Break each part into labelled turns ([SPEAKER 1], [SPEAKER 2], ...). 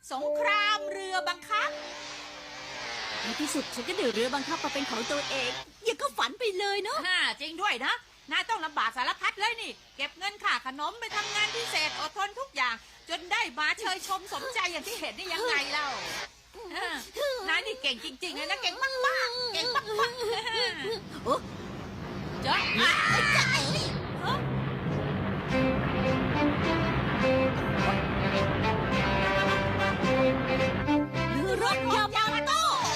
[SPEAKER 1] สงครามเรือบังคับ
[SPEAKER 2] ในที่สุดฉันก็ได้เรือบังคับมาเป็นของตัวเองยังก็ฝันไปเลยเนาะ
[SPEAKER 1] จริงด้วยนะนายต้องลำบากสารพัดเลยนี่เก็บเงินค่าขนมไปทำงานพิเศษอดทนทุกอย่าง จนได้มาเชยชมสมใจอย่างที่เห็นได้ยังไงเล่านายนี่เก่งจริงๆเลยนะเก่งมากๆเก่งมากๆ
[SPEAKER 2] โอ้
[SPEAKER 1] เจ้า
[SPEAKER 2] เรือรบยามาโต้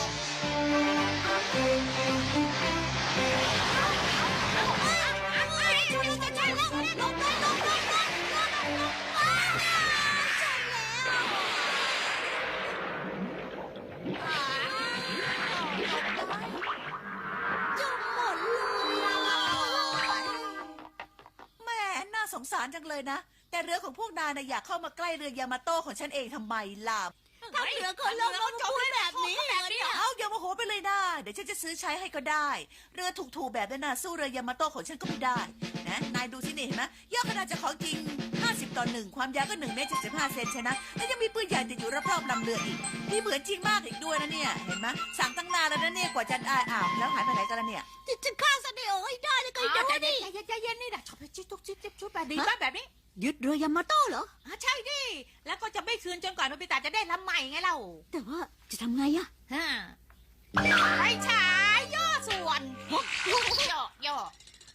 [SPEAKER 3] แม่น่าสงสารจังเลยนะแต่เรือของพวกนายนะอยากเข้ามาใกล้เรือยามาโต้ของฉันเองทำไมล่ะ
[SPEAKER 2] ถ้าเรือคนลงมาพูดแบบนี้เนี่ย
[SPEAKER 3] เอาอย่าโมโหไปเลยนะเดี๋ยวฉันจะซื้อใช้ให้ก็ได้ เรือถูกๆแบบนั้นนะสู้เรือยามาโต้ของฉันก็ไม่ได้นะนายดูสินี่เห็นไหมยอดขนาดจะของจริง50:1ความยาวก็1 เมตร 75 เซนใช่นะแล้วยังมีปืนใหญ่ติดอยู่รอบๆลำเรืออีกนี่เหมือนจริงมากอีกด้วยนะเนี่ยเห็นไหมสั่งตั้งนานแล้วนะเนี่ยกว่าจะได้แล้วหายไปไหนกันแล้วเนี่ย
[SPEAKER 2] จะฆ่าซาเนโอให้ได้แล้วก็
[SPEAKER 1] ใจ
[SPEAKER 2] ดู
[SPEAKER 1] เย็น
[SPEAKER 2] ดิ
[SPEAKER 1] ใจเย็นนี่นะชอบชุบแบบนี้แบบนี้
[SPEAKER 2] ยึดเรือยามาโต้เหรอ
[SPEAKER 1] ใช่ดิแล้วก็จะไม่คืนจนกว่าโนบิตะจะได้ลำใหม่ไงเล่า
[SPEAKER 2] แต่ว่าจะทำไงอะ
[SPEAKER 1] ไปฉายย่อส่วนย่อ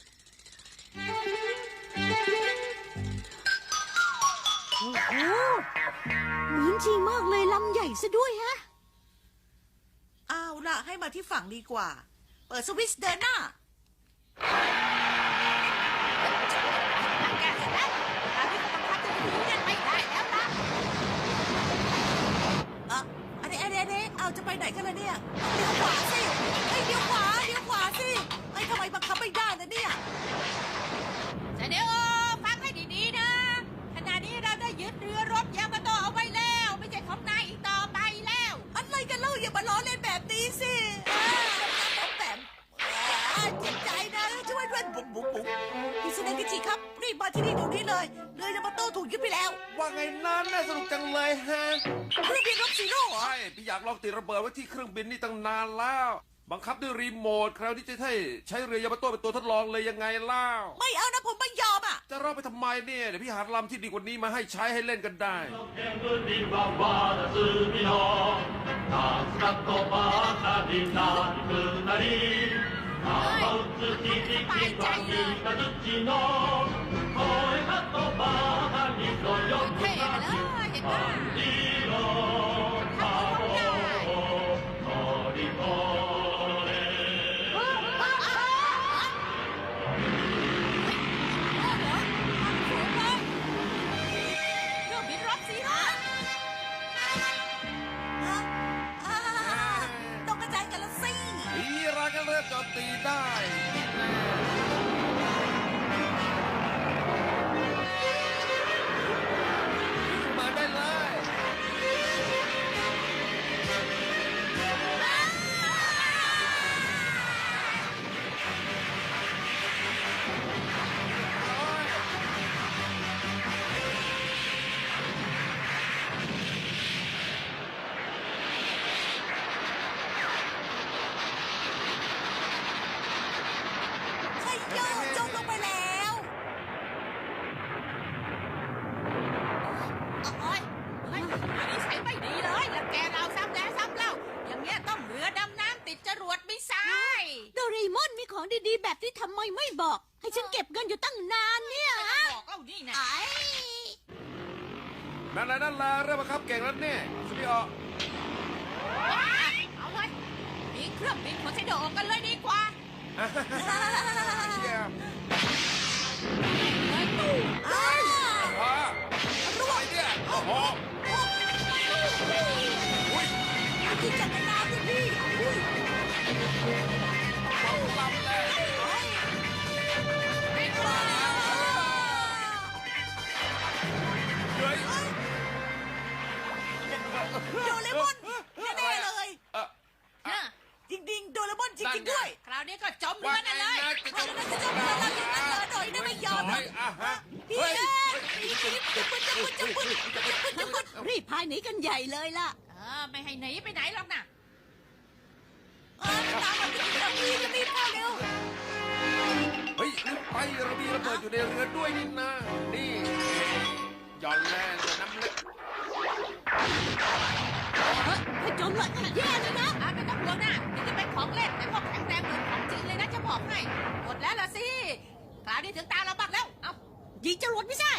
[SPEAKER 2] โอ้โหเหมือนจริงมากเลยลำใหญ่ซะด้วยฮะ
[SPEAKER 3] เอาล่ะให้มาที่ฝั่งดีกว่า เปิดสวิตช์เดินหน้า
[SPEAKER 1] แกเสร็จแล้วเราที่บังคับจะถือเนี่ยไม่ได้แล้วนะ
[SPEAKER 3] อันนี้เอาจะไปไหนกันล่ะเนี่ยเลี้ยวขวาสิเฮ้ยเลี้ยวขวาสิเฮ้ยทำไมบังคับไม่ได้นะเนี่ย
[SPEAKER 1] เสด็จฟังให้ดีๆนะขณะนี้เราได้ยึดเรือรบยามาโตเอาไว้แล้วไม่ใช่ของนายอีกต่อไปแล้ว
[SPEAKER 3] อะไรกันเล่าอย่ามาล้อเล่นแบบนี้สิแบบเจ็บใจนะช่วยด้วยบุ๋มพี่สุนันกิจิครับรีบมาที่นี่เดี๋ยวนี้เลยเรือยามาโต้ถูกยึดไปแล้ว
[SPEAKER 4] ว่าไงนั้นน่าสนุกจังเลยฮะ
[SPEAKER 3] เครื่องบินรบซีโร่เหรอ
[SPEAKER 4] ใช่พี่อยากลองติดระเบิดไว้ที่เครื่องบินนี่ตั้งนานแล้ว บังคับด้วยรีโมทคราวนี้จะใช้เรือยามาโต้เป็นตัวทดลองเลยยังไงเล่า
[SPEAKER 3] ไม่เอานะผมไม่ยอมอ่ะ
[SPEAKER 4] จะรอไปทำไมเนี่ยเดี๋ยวพี่หาลำที่ดีกว่านี้มาให้ใช้ให้เล่นกันได้
[SPEAKER 5] 煙はまだ罪の夏だとばかりなくなり雨打つ響きは三日月の声がとばかりのよく
[SPEAKER 1] เท่ไปเลยเห็นป่ะ
[SPEAKER 5] 色顔を乗り越え
[SPEAKER 1] เครื่องบินรบสิฮะ
[SPEAKER 3] ต้องกระจายกันละสิ
[SPEAKER 4] อีรักก็เริ่มโจมตีได้มาได้เลย
[SPEAKER 3] ใช่โยจมลงไปแล้ว
[SPEAKER 1] โอ้ยนิสัยไม่ดีเลยแล้วแกเราซ้ำแล้วซ้ำเล่าอย่างเงี้ยต้องเรือดำน้ำติดจรวดไม่ใช่
[SPEAKER 2] โดเรมอนมีของดีๆแบบที่ทำไมไม่บอก ให้ฉันเก็บเงินอยู่ตั้งนานเนี่ยฮะ
[SPEAKER 1] บอกเล่านี่นะ
[SPEAKER 2] ไอ้
[SPEAKER 4] นั่นแหละเริ่มบังคับเก่งแล้วเนี่ยสุดยอด
[SPEAKER 1] เอาเลยมีเครื่องบินของเซโดกันเลยดีกว่า
[SPEAKER 4] เยี่ยม
[SPEAKER 1] เลยตู้
[SPEAKER 4] ว้าอะไรเนี่ยโอ้โหอุ้ย
[SPEAKER 3] กินจักรยานสิพี่อุ้ย
[SPEAKER 4] เอาลำเลย
[SPEAKER 1] ไม่กลัว
[SPEAKER 4] เฮ้ย
[SPEAKER 3] โดเรมอนแน่ๆเลย
[SPEAKER 4] เอ่อ
[SPEAKER 1] ฮะ
[SPEAKER 3] จริงๆโดเรมอนมอนจริงๆด้วย
[SPEAKER 1] คราวนี้ก็จมเรือนั่นเลย
[SPEAKER 3] เอาแล้วจะจมเรือเราอย่างนั้นเหรอหน่อยได้ไม่ยอมหรอก
[SPEAKER 4] อ่ะฮะ
[SPEAKER 3] พี่
[SPEAKER 4] เฮ้ย
[SPEAKER 3] เอ๊ะจะพูด
[SPEAKER 2] รีบพายหนีกันใหญ่เลยล่ะ
[SPEAKER 1] ไม่ให้หนีไปไหนหรอกนะ
[SPEAKER 3] ตามมาพี่จะรีบพาเร็ว
[SPEAKER 4] เฮ้ยรีบไปเรามีระเบิดอยู่ในเรือด้วยนี่นะนี่หย่อนแรงน้ำเล็ก
[SPEAKER 2] ถ้าจมละแย่เลยนะ
[SPEAKER 1] ไม่ต้องห่วงนะนี่จะเป็นของเล่นแต่พวกแข็งแรงเหมือนของจริงเลยนะจะบอกให้หมดแล้วล่ะสิคราวนี้ถึงตาเราบักแล้วเอา
[SPEAKER 2] ยิงจรวดไม่ใช่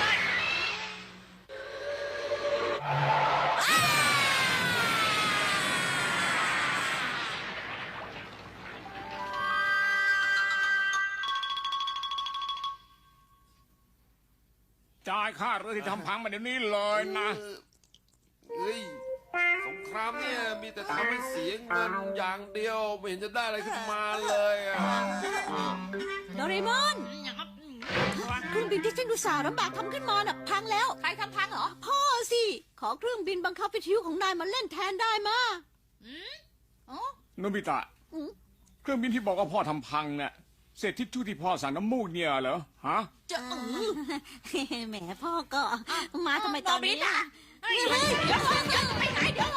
[SPEAKER 6] จ่ายค่าเรือที่ทำพังมาเดี๋ยวนี้เลยนะ
[SPEAKER 4] เฮ้ยสงครามเนี่ยมีแต่ทำให้เสียเงินอย่างเดียวไม่เห็นจะได้อะไรขึ้นมาเลยอ่ะ
[SPEAKER 2] โดเรมอนเครื่องบินที่ฉันอุตส่าห์ลำบากทำขึ้นมาน่ะพังแล้ว
[SPEAKER 1] ใครทำพังเหรอ
[SPEAKER 2] พ่อสิ ขอเครื่องบินบังคับวิทยุของนายมาเล่นแทนได้มา
[SPEAKER 1] อ๋อ
[SPEAKER 6] โนบิตะ
[SPEAKER 2] อืม
[SPEAKER 6] เครื่องบินที่บอกว่าพ่อทำพังเนี่ยเศษทิชชู่ที่พ่อสั่งน้ำมูกเนี่ยเหรอ ฮะ
[SPEAKER 2] แหมพ่อก็มาทำไมตอนนี้
[SPEAKER 1] เฮ้ยเดี๋ยวไปไหนเดี๋ยว